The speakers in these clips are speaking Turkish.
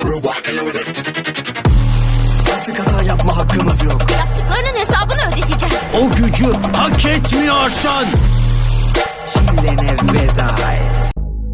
Artık hata yapma hakkımız yok. Yaptıklarının hesabını ödeteceğim. O gücü hak etmiyorsun. Çilene veda et.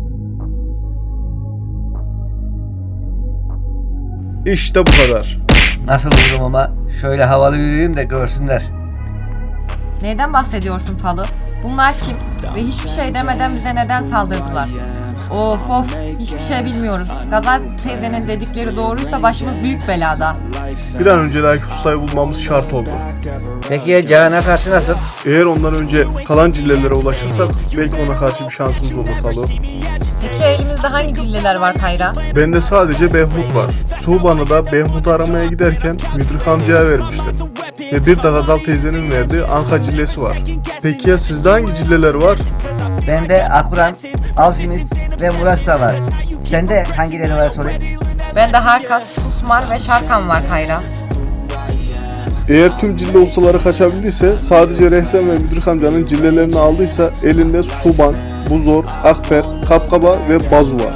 İşte bu kadar. Nasıl olurum ama şöyle havalı yürüyeyim de görsünler. Neyden bahsediyorsun Talı? Bunlar kim? Ve hiçbir şey demeden bize neden saldırdılar? Of, hiçbir şey bilmiyoruz. Gazal teyzenin dedikleri doğruysa başımız büyük belada. Bir an önce Layık Usta'yı bulmamız şart oldu. Peki ya Cahan'a karşı nasıl? Eğer ondan önce kalan cillelere ulaşırsak belki ona karşı bir şansımız olur Talu. Peki elimizde hangi cilleler var Kayra? Bende sadece Behmut var. Suğban'ı da Behmut'u aramaya giderken Müdrik amcaya vermişti. Ve bir de Gazal teyzenin verdiği Anka cillesi var. Peki ya sizde hangi cilleler var? Bende Akuran, Alchemist ve Murassa var. Sende hangileri var sorayım? Bende Harkas, Susmar ve Şarkan var Kayra. Eğer tüm cille ustaları kaçabildiyse, sadece Rehsen ve Müdrik amcanın cillelerini aldıysa elinde Suban, Buzor, Akper, Kapkaba ve Bazu var.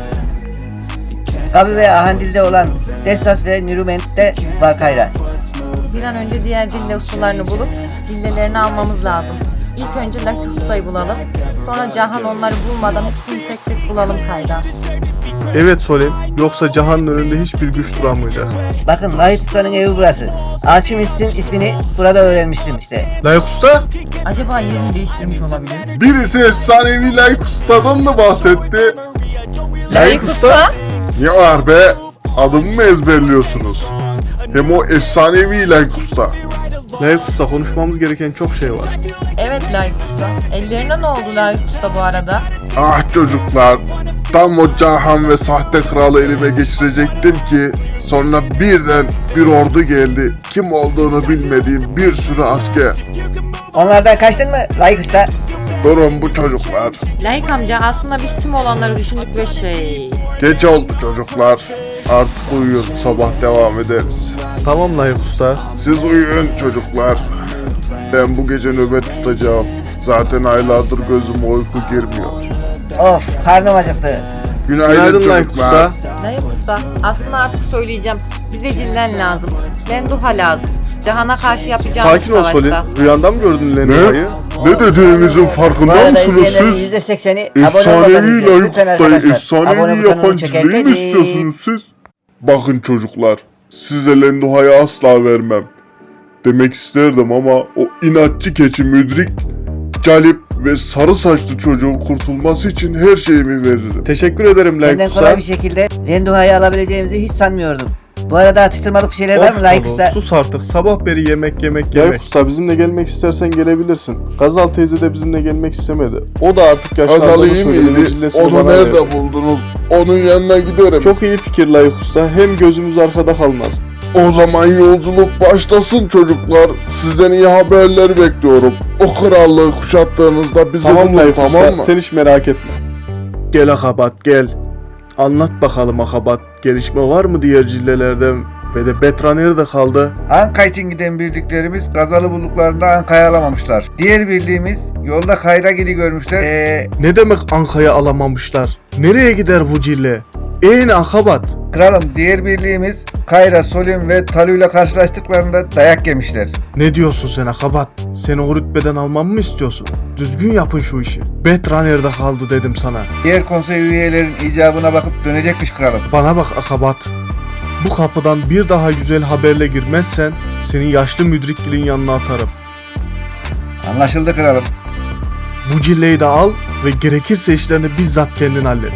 Kabi ve Ahandil'de olan Dessas ve Nürüment'te var Kayra. Bir an önce diğer cille ustalarını bulup cillelerini almamız lazım. İlk önce Lucky Usta'yı bulalım. Sonra Cahan onları bulmadan hepsini tek tek bulalım Kayra. Evet Solen, yoksa Cahan'ın önünde hiçbir güç duramayacak. Bakın Lahit Usta'nın evi burası. Alchemist'in ismini burada öğrenmiştim işte. Layık Usta? Acaba yerini değiştirmiş olabilir? Birisi efsanevi Layık Usta'dan da bahsetti. Layık Usta? Ne var be? Adımı mı ezberliyorsunuz? Hem o efsanevi Layık Usta. Layık Usta, konuşmamız gereken çok şey var. Evet Layık Usta. Ellerine ne oldu Layık Usta bu arada? Ah çocuklar, tam o Cahan ve sahte kralı elime geçirecektim ki sonra birden bir ordu geldi. Kim olduğunu bilmediğim bir sürü asker. Onlardan kaçtın mı Lahit Usta? Durun bu çocuklar. Layık amca aslında biz tüm olanları düşündük ve Geç oldu çocuklar. Artık uyuyun, sabah devam ederiz. Tamam Layık Usta. Siz uyuyun çocuklar. Ben bu gece nöbet tutacağım. Zaten aylardır gözüme uyku girmiyor. Of, karnım acıktı. Günaydın Layık çocuklar. Usta. Layık Usta aslında artık söyleyeceğim. Bize cillen lazım. Lenduha lazım. Cahan'a karşı yapacağımız Sakin ol savaşta. Solen. Rüyanda mı gördün Lendiha'yı? Ne dediğinizin Bu farkında arada mısınız izleyenlerin siz? %80'i abone Efsanevi olmadığınız Layık lütfen Usta'yı arkadaşlar. efsanevi Abone yapan butonunu cilleyi mi çekerken istiyorsunuz siz? Bakın çocuklar, size Lenduha'yı asla vermem. Demek isterdim ama o inatçı keçi Müdrik, Calip ve sarı saçlı çocuğun kurtulması için her şeyimi veririm. Teşekkür ederim Layık Benden Usta. kolay bir şekilde Lenduha'yı alabileceğimizi hiç sanmıyordum. Bu arada atıştırmalık bir şeyler var mı Layık Talu, Usta? sus artık. Sabah beri yemek. Layık Usta, bizimle gelmek istersen gelebilirsin. Gazal teyze de bizimle gelmek istemedi. O da artık yaşlandı. Azal iyi miydi? Onu nerede buldunuz? Onun yanına giderim. Çok iyi fikir Layık Usta. Hem gözümüz arkada kalmaz. O zaman yolculuk başlasın çocuklar. Sizden iyi haberler bekliyorum. O krallığı kuşattığınızda bizi Tamam bulun, Layık tamam Usta. mı? Sen hiç merak etme. Gel Akabat gel. Anlat bakalım Akabat. Gelişme var mı diğer cillelerden? Ve de Betra nerede kaldı? Anka için giden birliklerimiz Gazalı bulduklarında Anka'yı alamamışlar. Diğer birliğimiz yolda Kayragil'i görmüşler. Ne demek Anka'yı alamamışlar? Nereye gider bu cille? Akabat. Kralım diğer birliğimiz Kayra, Solim ve Talu ile karşılaştıklarında dayak yemişler. Ne diyorsun sen Akabat? Seni o rütbeden almamı mı istiyorsun? Düzgün yapın şu işi. Betra nerede kaldı dedim sana. Diğer konsey üyelerin icabına bakıp dönecekmiş kralım. Bana bak Akabat. Bu kapıdan bir daha güzel haberle girmezsen seni yaşlı müdriklerin yanına atarım. Anlaşıldı kralım. Bu cilleyi de al ve gerekirse işlerini bizzat kendin hallet.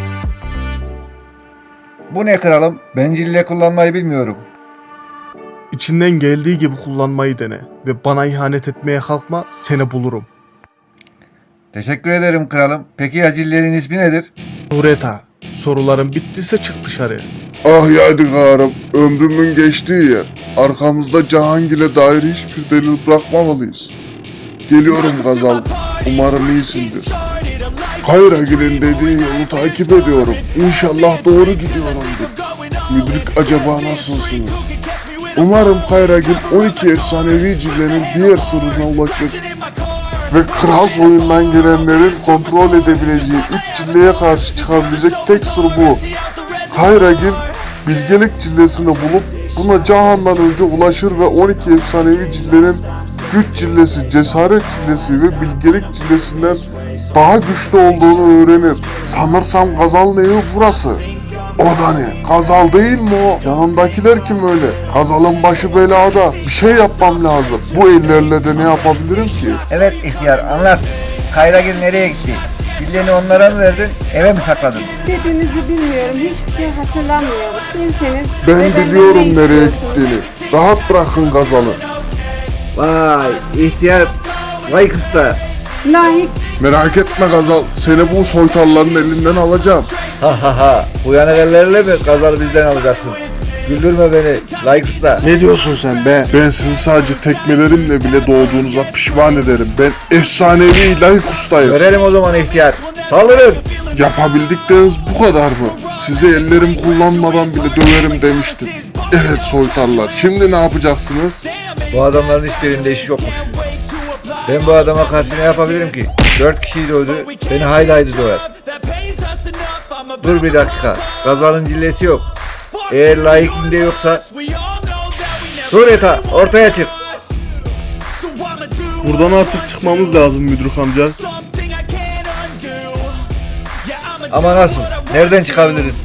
Bu ne kralım? Ben cille kullanmayı bilmiyorum. İçinden geldiği gibi kullanmayı dene ve bana ihanet etmeye kalkma, seni bulurum. Teşekkür ederim kralım. Peki ya cillerin ismi nedir? Sureta, soruların bittiyse çık dışarı. Ah yadigarım, ömrümün geçtiği yer. Arkamızda Cahangil'e dair hiçbir delil bırakmamalıyız. Geliyorum Gazal, umarım iyisindir. Kayragil'in dediği yolu takip ediyorum. İnşallah doğru gidiyorumdur. Müdrik acaba nasılsınız? Umarım Kayragil 12 efsanevi cillenin diğer sırrına ulaşır. Ve kral soyundan gelenlerin kontrol edebileceği 3 cilleye karşı çıkabilecek tek sır bu. Kayragil bilgelik cillesini bulup buna Cahan'dan önce ulaşır ve 12 efsanevi cillenin güç cillesi, cesaret cillesi ve bilgelik cillesinden daha güçlü olduğunu öğrenir. Sanırsam Gazal'ın evi burası. O da ne? Gazal değil mi o? Yanındakiler kim öyle? Gazal'ın başı belada. Bir şey yapmam lazım. Bu ellerle de ne yapabilirim ki? Evet ihtiyar anlat. Kayragil nereye gitti? Cilleni onlara mı verdin? Eve mi sakladın? Dediğinizi bilmiyorum. Hiçbir şey hatırlamıyorum. Kimseniz Ben ve benden biliyorum ne nereye istiyorsunuz? gittiğini. Rahat bırakın Gazal'ı. Vay ihtiyar. Vay kısta. Layık. Merak etme Gazal. Seni bu soytarların elinden alacağım. Ha ha ha. Uyanık ellerle mi Gazal'ı bizden alacaksın? Güldürme beni. Layık usta. Ne diyorsun sen be? Ben sizi sadece tekmelerimle bile doğduğunuza pişman ederim. Ben efsanevi layık ustayım. Görelim o zaman ihtiyar. Saldırın. Yapabildikleriniz bu kadar mı? Size ellerim kullanmadan bile döverim demiştim. Evet soytarlar. Şimdi ne yapacaksınız? Bu adamların hiçbirinde işi yokmuş. Ben bu adama karşı ne yapabilirim ki? 4 kişiyi dövdü. Beni hayli hayli döver. Dur bir dakika. Gazal'ın cillesi yok. Eğer layıkinde yoksa... Dur Eta ortaya çık. Buradan artık çıkmamız lazım Müdürük amca. Ama nasıl? Nereden çıkabiliriz?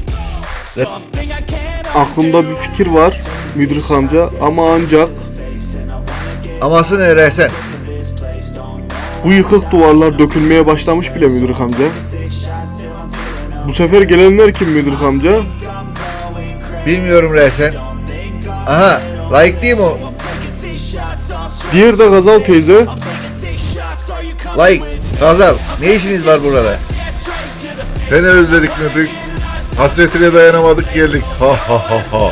Aklımda bir fikir var Müdürük amca ama ancak Aması ne Rehsen? bu yıkık duvarlar dökülmeye başlamış bile Müdürük amca. Bu sefer gelenler kim Müdürük amca? Bilmiyorum Rehsen. Aha layık değil mi o? Diğer de Gazal teyze. Layık, Gazal ne işiniz var burada? Seni özledik Müdrik. Hasretine dayanamadık geldik. Ha ha ha ha.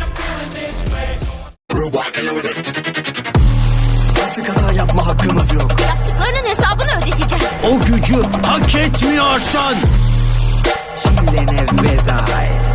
Artık hata yapma hakkımız yok. Yaptıklarının hesabını ödeteceğim. O gücü hak etmiyorsun. Çilene veda et.